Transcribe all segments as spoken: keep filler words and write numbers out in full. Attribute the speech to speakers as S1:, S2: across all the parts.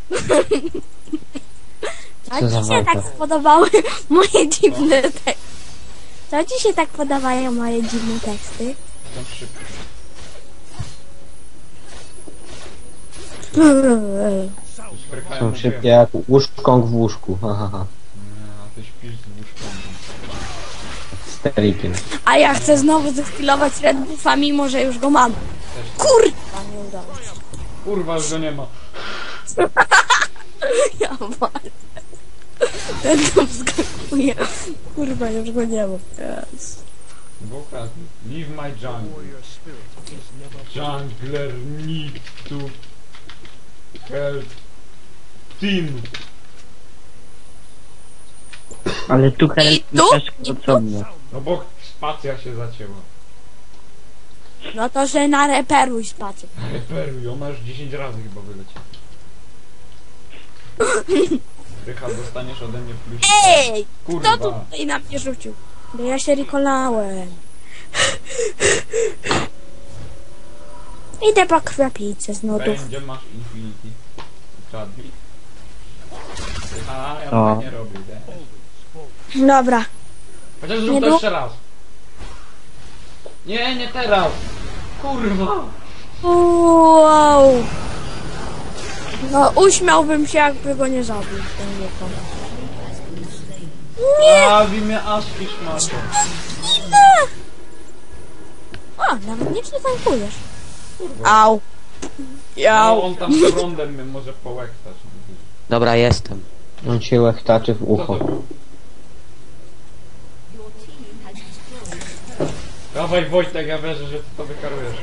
S1: Co
S2: Co
S1: ci
S2: za
S1: się
S2: walka?
S1: tak spodobały moje dziwne teksty? Co ci się tak podobają moje dziwne teksty?
S3: Jestem szybki. Sprychają
S2: Są
S3: mu
S2: szybkie
S3: wiem.
S2: jak łóżkąg w łóżku. Ha, ha, ha.
S3: Nie, a ty śpisz z łóżką.
S2: Sterikiem.
S1: A ja chcę znowu zeskillować Red Buffa, mimo że już go mam. Kurwa, nie udało się.
S3: Kurwa, już go nie ma.
S1: Ja walę. Ten tu wskakuje. Kurwa, już go nie mam. Yes.
S3: Buka, leave my jungle. Jungler need to help team.
S4: Ale tu help
S1: I tu?
S4: też
S1: I tu?
S4: osobno.
S3: No bo spacja się zacięła.
S1: No to, że na reperuj spacie.
S3: Reperuj, ona już dziesięć razy chyba wyleciała. Rychard, dostaniesz ode mnie plusik.
S1: Ej!
S3: Kurwa.
S1: Kto tutaj na mnie rzucił? Bo ja się rikolałem. Idę po krwiopijce z nudów.
S3: Będzie masz Infinity. Kradnij. A, ja
S4: O.
S3: tak nie robię, nie?
S1: Dobra.
S3: Chociaż
S1: Nie
S3: zrób to
S1: było?
S3: jeszcze raz. Nie, nie teraz. Kurwa.
S1: Wow. No uśmiałbym się, jakby go nie zabił. Ten wiekon. Nie!
S3: A, w imię Aski szmato.
S1: O, nawet nie przetankujesz. Au. Jau.
S3: No, on tam z rondem mnie może połektać.
S5: Dobra, jestem.
S2: On się łechtaczy w
S3: Co
S2: ucho.
S3: to był? Dawaj Wojtek, ja wierzę, że ty to wykarujesz.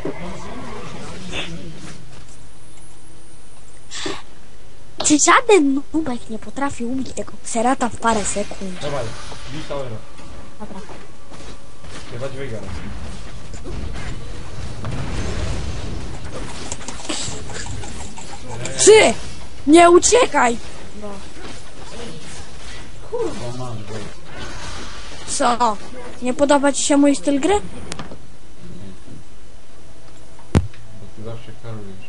S1: Czy żaden nubek nie potrafi ubić tego kserata w parę sekund?
S3: Dawaj, bij towera.
S1: Dobra.
S3: Chyba dźwiga.
S1: Trzy! Nie uciekaj!
S3: Kurwa, masz Wojtek.
S1: Co? Nie podoba ci się mój styl gry?
S3: Bo ty zawsze karujesz.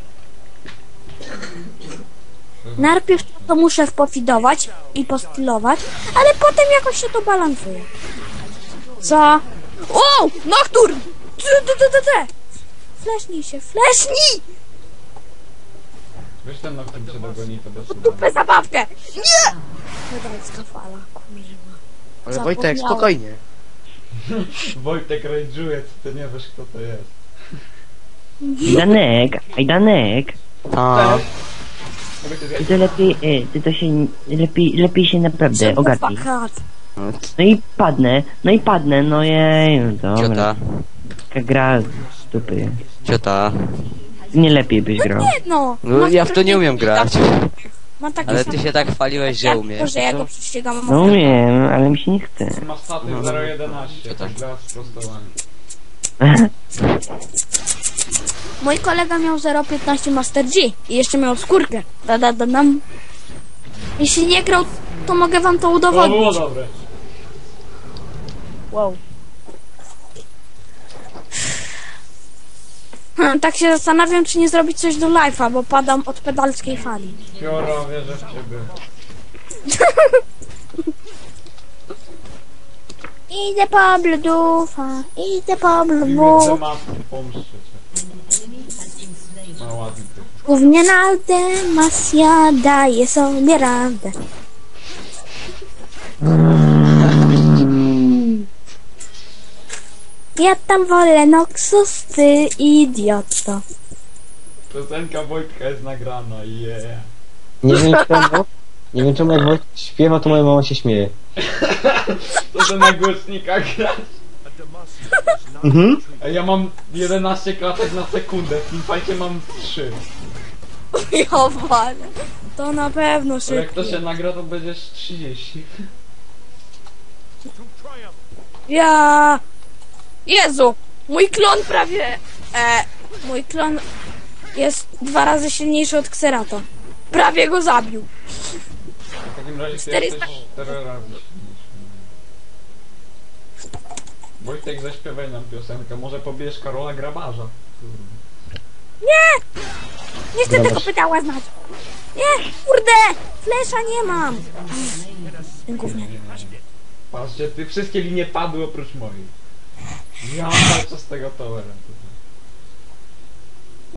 S1: Najpierw to muszę pofidować i postylować, ale potem jakoś się to balansuje. Co? O! Nocturne! Ty, ty, ty, ty, ty. Flashnij się, flashnij!
S3: Wiesz ten, na którym się dogoni, to bez
S1: Dupę zabawkę! Nie! Hydracka fala, kurwa.
S5: Ale Wojtek,
S1: Zapomniałem.
S5: spokojnie.
S3: Wojtek rage'uje, ty nie wiesz kto to jest.
S4: Danek, aj Danek.
S5: A,
S3: Mogę cię
S4: Ty
S3: zjeść?
S4: to lepiej, e, ty to się, lepiej, lepiej się naprawdę ogarnij.
S1: Fakat.
S4: No i padnę, no i padnę, no jej, no dobra.
S5: ciota,
S4: Taka gra z dupy.
S5: ciota.
S4: Nie lepiej byś grał.
S1: Nie no!
S5: No
S1: Mam
S5: ja w to nie umiem grać.
S1: Mam takie
S5: Ale
S1: same
S5: ty się tak chwaliłeś, że
S1: jak
S5: umiesz.
S1: to, że ja
S5: Co?
S1: go prześcigam.
S4: No umiem, ale mi się nie chce.
S3: Ma staty
S5: No,
S3: zero jedenaście,
S5: co tak?
S3: dla sprostowania.
S1: Mój kolega miał zero piętnaście Master G i jeszcze miał skórkę. Da, da, da, dam. Jeśli nie grał, to mogę wam to
S3: To było
S1: udowodnić.
S3: dobre.
S1: Wow. Hmm, tak się zastanawiam, czy nie zrobić coś do live'a, bo padam od pedalskiej fali.
S3: Fiora, wierzę w ciebie.
S1: Idę po bludufa, idę po
S3: Widzę
S1: bludufa.
S3: matki, pomszczę cię. No ładny ty.
S1: Głównie na Aldemasja daje sobie radę. Ja tam wolę Noxus, ty idioto.
S3: Piosenka Wojtka jest nagrana, yeah.
S2: Nie wiem czemu. Nie wiem czemu jak Wojtek śpiewa, to moja mama się śmieje.
S3: To to na głośnikach gra.
S2: Mhm.
S3: A ja mam jedenaście klatek na sekundę, w teamfightie mam trzy.
S1: Ja walę. To na pewno
S3: To jak to
S1: szybko.
S3: się nagra, to będziesz trzydzieści.
S1: Ja... Jezu! Mój klon prawie... E, mój klon jest dwa razy silniejszy od Xerata. Prawie go zabił.
S3: W takim razie ty
S1: czterysta
S3: jesteś cztery razy silniejszy. Wojtek, zaśpiewaj nam piosenkę, może pobierz Karola Grabarza.
S1: Nie! Nie chcę
S2: Dobra.
S1: tego pytała znać. Nie, kurde! Flesza nie mam! Ten gówniany.
S3: Patrzcie, ty wszystkie linie padły oprócz mojej. Ja mam cały czas tego towera.